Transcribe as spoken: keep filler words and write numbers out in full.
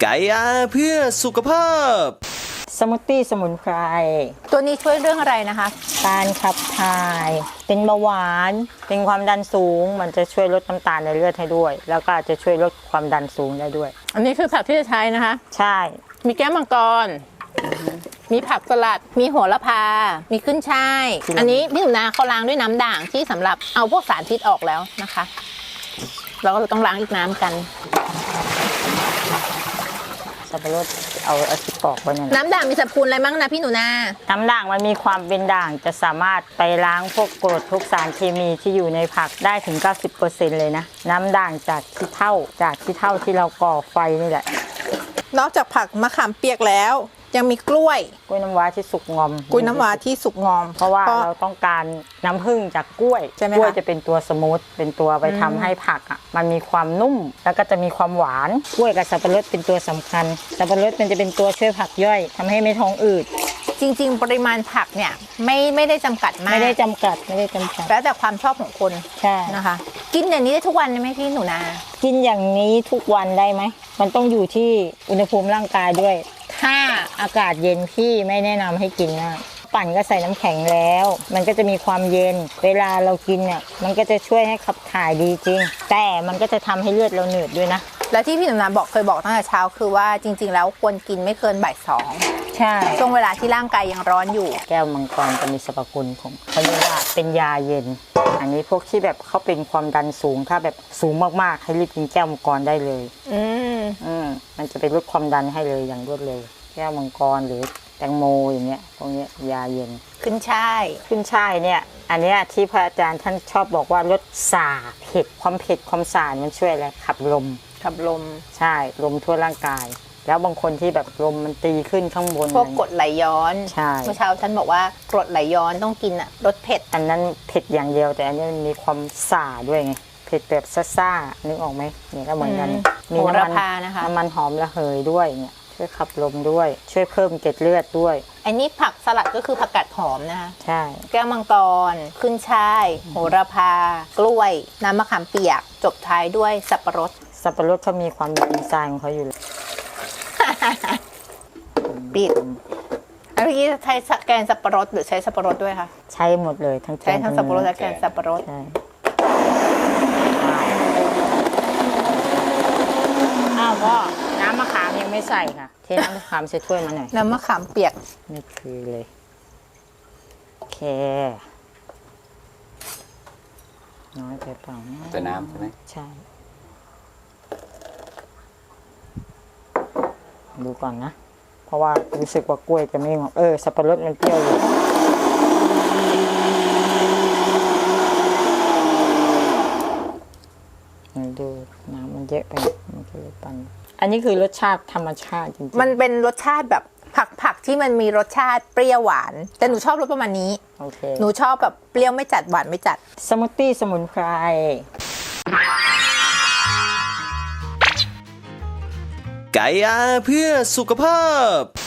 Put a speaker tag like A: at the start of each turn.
A: ไก่อาเพื่อสุขภาพ
B: สมูทตี้สมุนไพร
C: ตัวนี้ช่วยเรื่องอะไรนะคะ
B: การขับถ่ายเป็นเบาหวานเป็นความดันสูงมันจะช่วยลดน้ำตาลในเลือดให้ด้วย แล้วก็จะช่วยลดความดันสูงได้ด้วย
C: อันนี้คือผักที่จะใช้นะคะ
B: ใช่
C: มีแก้วมังกรมีผักสลัดมีโหระพามีขึ้นช่ายอันนี้พี่หนูนาเขาล้างด้วยน้ำด่างที่สำหรับเอาพวกสารพิษออกแล้วนะคะเราก็ต้องล้างอีกน้ำกัน
B: สับปะรดเอาเอาที่ปอกไว้เนี่ย
C: น้ำด่างมีสรรพคุณอะไรบ้างนะพี่หนูนา
B: น้ำด่างมันมีความเป็นด่างจะสามารถไปล้างพวกกรดทุกสารเคมีที่อยู่ในผักได้ถึง เก้าสิบเปอร์เซ็นต์ เลยนะน้ำด่างจากขี้เถ้าจากขี้เถ้าที่เราก่อไฟนี่แหละ
C: นอกจากผักมะขามเปียกแล้วยังมีกล้วย
B: กล้วยน้ำว้าที่สุกงอม
C: กล้วยน้ำว้าที่สุกงอม
B: เพราะว่าเราต้องการน้ำผึ้งจากกล้วยกล้วยจะเป็นตัวสมูทเป็นตัวไปทำให้ผักอ่ะมันมีความนุ่มแล้วก็จะมีความหวานกล้วยกับสับปะรดเป็นตัวสำคัญสับปะรดมันจะเป็นตัวช่วยผักย่อยทำให้ไม่ท้องอืด
C: จริงๆปริมาณผักเนี่ยไม่ไม่ได้จำกัดมาก
B: ไม่ได้จำกัดไม่ได้จำกัด
C: แล้วแต่ความชอบของคน
B: ใช่
C: นะคะกินอย่างนี้ได้ทุกวันไหมพี่หนูนา
B: กินอย่างนี้ทุกวันได้ไหมมันต้องอยู่ที่อุณหภูมิร่างกายด้วยถ้าอากาศเย็นพี่ไม่แนะนำให้กินมากปั่นก็ใส่น้ำแข็งแล้วมันก็จะมีความเย็นเวลาเรากินเนี่ยมันก็จะช่วยให้ขับถ่ายดีจริงแต่มันก็จะทำให้เลือดเราหนืดด้วยนะ
C: และที่พี่หนูนาบอกเคยบอกตั้งแต่เช้าคือว่าจริงๆแล้วควรกินไม่เกินบ่ายสอง
B: ใช่
C: ช่วงเวลาที่ร่างกายยังร้อนอยู่
B: แก้วมังกรจะมีสรรพคุณของเขาเรียกว่าเป็นยาเย็นอันนี้พวกที่แบบเขาเป็นความดันสูงถ้าแบบสูงมากๆให้รีบกินแก้วมังกรได้เลย
C: อืม
B: อืมมันจะไปลดความดันให้เลยอย่างรวดเร็วแก้วมังกรหรือแตงโมอย่างเงี้ยพวกนี้ยาเย็น
C: ขึ้นช่าย
B: ขึ้นช่ายเนี่ยอันเนี้ยที่พระอาจารย์ท่านชอบบอกว่าลดส่าเผ็ดความเผ็ดความส่ามันช่วยอะไรขับลม
C: ขับลม
B: ใช่ลมทั่วร่างกายแล้วบางคนที่แบบลมมันตีขึ้นข้างบน
C: พวกกรดไหลย้อน
B: ใช่
C: เมื่อเช้าท่านบอกว่ากรดไหลย้อนต้องกินอะรสเผ็ด
B: อันนั้นเผ็ดอย่างเดียวแต่อันนี้มันมีความส่าด้วยไงเผ็ดแบบซ่าๆนึกออกไหมเนี่ยก็เหมือนกัน
C: มีน้ำมันนะคะ
B: น้ำมันหอมระเหยด้วยเนี่ยช่วยขับลมด้วยช่วยเพิ่มเกล็ดเลือดด้วย
C: อันนี้ผักสลัดก็คือผักกาดหอมนะคะ
B: ใช่
C: แก้วมังกรขึ้นช่ายโหระพากล้วยน้ำมะขามเปียกจบท้ายด้วยสับปะรด
B: สับปะรดเขามีความเป็นดีไซน์ของเขาอยู่เลย
C: ปิดเมื่อกี้ใช้แกนสับปะรดหรือใช้สับปะรดด้วยคะ
B: ใช้หมดเลยทั้ง
C: ใช้ทั้งสับปะรดและแกนสับปะรด
B: ใช่อ้าวพ่อน้ำมะขามยังไม่ใส่ค่ะเทน้ำมะขามใส่ถ้วยมาหน่อย
C: น้ำมะขามเปียก
B: นี่คือเลยโอเคน้อยไปเปล่า
A: แต่น้ำใช่ไหม
B: ใช่ดูก่อนนะเพราะว่ารู้สึกว่ากล้วยจะไม่งอกเออสับปะรดมันเปรี้ยวอยู่ดูน้ำมันเยอะไปมันก็เลยปั่นอันนี้คือรสชาติธรรมชาติจริงๆ
C: มันเป็นรสชาติแบบผักผักที่มันมีรสชาติเปรี้ยวหวานแต่หนูชอบรสประมาณนี้
B: โอเค
C: หนูชอบแบบเปรี้ยวไม่จัดหวานไม่จัด
B: สมูทตี้สมุนไพร
A: ไก่อาเพื่อสุขภาพ